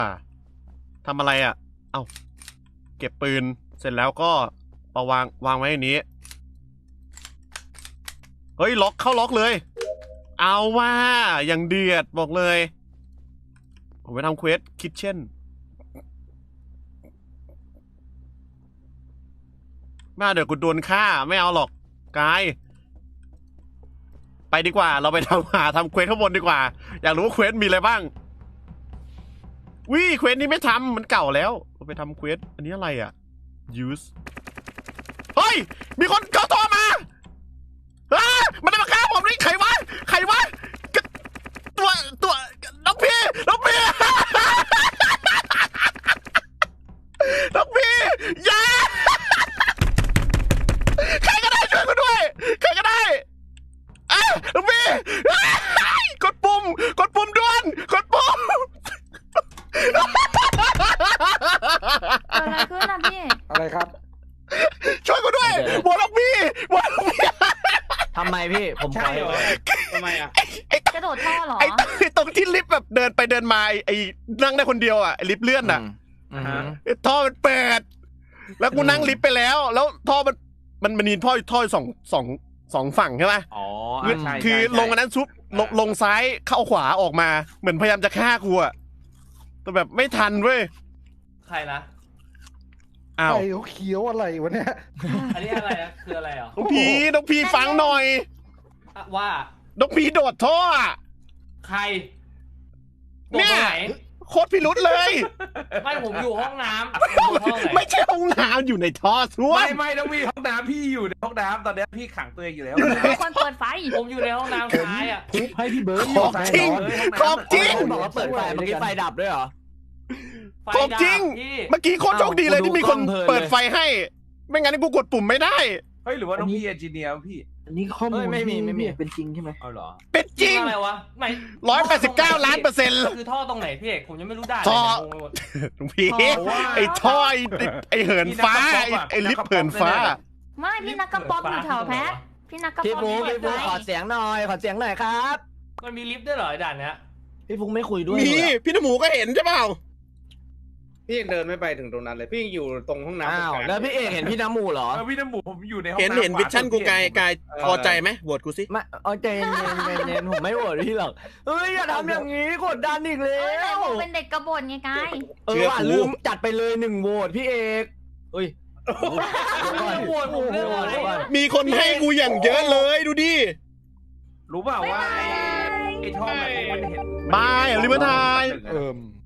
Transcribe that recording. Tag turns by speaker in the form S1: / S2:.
S1: ทำอะไรอ่ะเอ้าเก็บปืนเสร็จแล้วก็เอาวางไว้ในนี้เฮ้ยล็อกเข้าล็อกเลยเอาว่าอย่างเดือดบอกเลยผมไปทำเควสคิทเช่นมาเดี๋ยวกูโดนฆ่าไม่เอาหรอกกายไปดีกว่าเราไปทำเควสข้างบนดีกว่าอยากรู้ว่าเควสมีอะไรบ้างวิเควสนี้ไม่ทำมันเก่าแล้วเราไปทำเควสอันนี้อะไรอ่ะ use เฮ้ยมีคนเข้าตัวมามันจะมาฆ่าผมนี่ใครวะตัวน้องพี่น้องพี่อย่าใครก็ได้ช่วยกูด้วยใครก็ได้น้องพี่กดปุ่มด่วนกดปุ่ม
S2: อะไรขึ้นนะพี่
S3: อะไรครับ
S1: ช่วยกูด้วยบอลล็อกพี่
S4: ทำไมพี่ผมขอ
S3: ทำไมอ่ะ
S2: กระโดดท่อเหรอ
S1: ไอ้ตรงที่ลิฟต์แบบเดินไปเดินมาไอ้นั่งได้คนเดียวอ่ะไอ้ลิฟต์เลื่อนอ่ะท่อมันเปิดแล้วกูนั่งลิฟต์ไปแล้วท่อมันมีท่อสองฝั่งใช่ไหม
S3: อ๋อ
S1: คือลงอันนั้นซุปลงซ้ายเข้าขวาออกมาเหมือนพยายามจะฆ่ากูอ่ะแต่แบบไม่ทันเว้ย
S5: ใครนะ
S1: อ้าว
S3: ไอ้เขียวอะไรวะเนี่ย
S5: อันนี้อะไรนะคืออะไรอ่ะ
S1: น้องพีฟังหน่อย
S5: ว่า
S1: น้องพีโดดท่อ
S5: ใคร
S1: เนี่ยโคตรพิรุษเลย
S5: ไม่ผมอยู่ห้องน้ำ
S1: ไม่ใช่ห้องน้ำอยู่ในท่อซ่วม
S3: ไม่ต้องมีห้องน้ำพี่อยู่ในห้องน้ำตอนนี้พี่ขังตัวเองอยู่แล้ว
S2: คนเปิดไฟ
S5: ผมอยู่ในห้องน้ำท้ายอ่ะ
S3: ให้พี่เบิร์ด
S1: ของจริง
S4: บอกว่าเปิดไฟเมื่อกี้ไฟดับด้วยเหรอ
S1: ของจริงเมื่อกี้โคตรโชคดีเลยที่มีคนเปิดไฟให้ไม่งั้นกูกดปุ่มไม่ได้
S3: เฮ้ยหรือว่าน้องพี่เอนจิเนียร์พี่
S4: อันนี้ข้อมูลไม่มีเป็นจริงใช่ไหม
S3: เอาเหรอ
S1: เป็นจริง
S5: อะไรวะไม่
S1: 189 ล้านเปอร์เซ็นต์
S5: คือท่อตรงไหนพี่เอกผมยังไม่รู้ได้
S1: ท่อลุงพี่ไอ้ท่อไอ้เหินฟ้าไอ้ลิฟต์เหินฟ้า
S2: ไม่พี่นักกระป๋อมอยู่แถวแพ้พี่นักกระป๋อม
S4: พี่ฟูขอเสียงหน่อยครับ
S5: มันมีลิฟต์ด้วยเหรอด่านเนี้ย
S4: พี่ฟูไม่คุยด้วย
S1: มีพี่น้ำหมูก็เห็นใช่เปล่า
S3: พี่เดินไม่ไปถึงตรงนั้นเลยพี่อยู่ตรงห้องน้ำ
S4: แล้วพี่เอกเห็นพี่น้ำหมูเหรอ
S3: พี่น้ำหมูผมอยู่ในห้อง
S1: เห็นวิชั่นกูกายพอใจไหมโหวตกูสิ
S4: ไม่เอาใจเย็นผมไม่โหวตพี่หรอกเฮ้ยอย่าทำอย่างนี้กดดันอีกแล้ว
S2: เป็นเด็กกบฏไงกาย
S4: ว่าลืมจัดไปเลย1โหวตพี่เอกเฮ้ย
S1: มีคนให้กูอย่างเยอะเลยดูดิ
S3: รู้เปล่าว่าไอ้ท่อแบบนี้มันเห็น
S1: บายลิเวอร์ไทย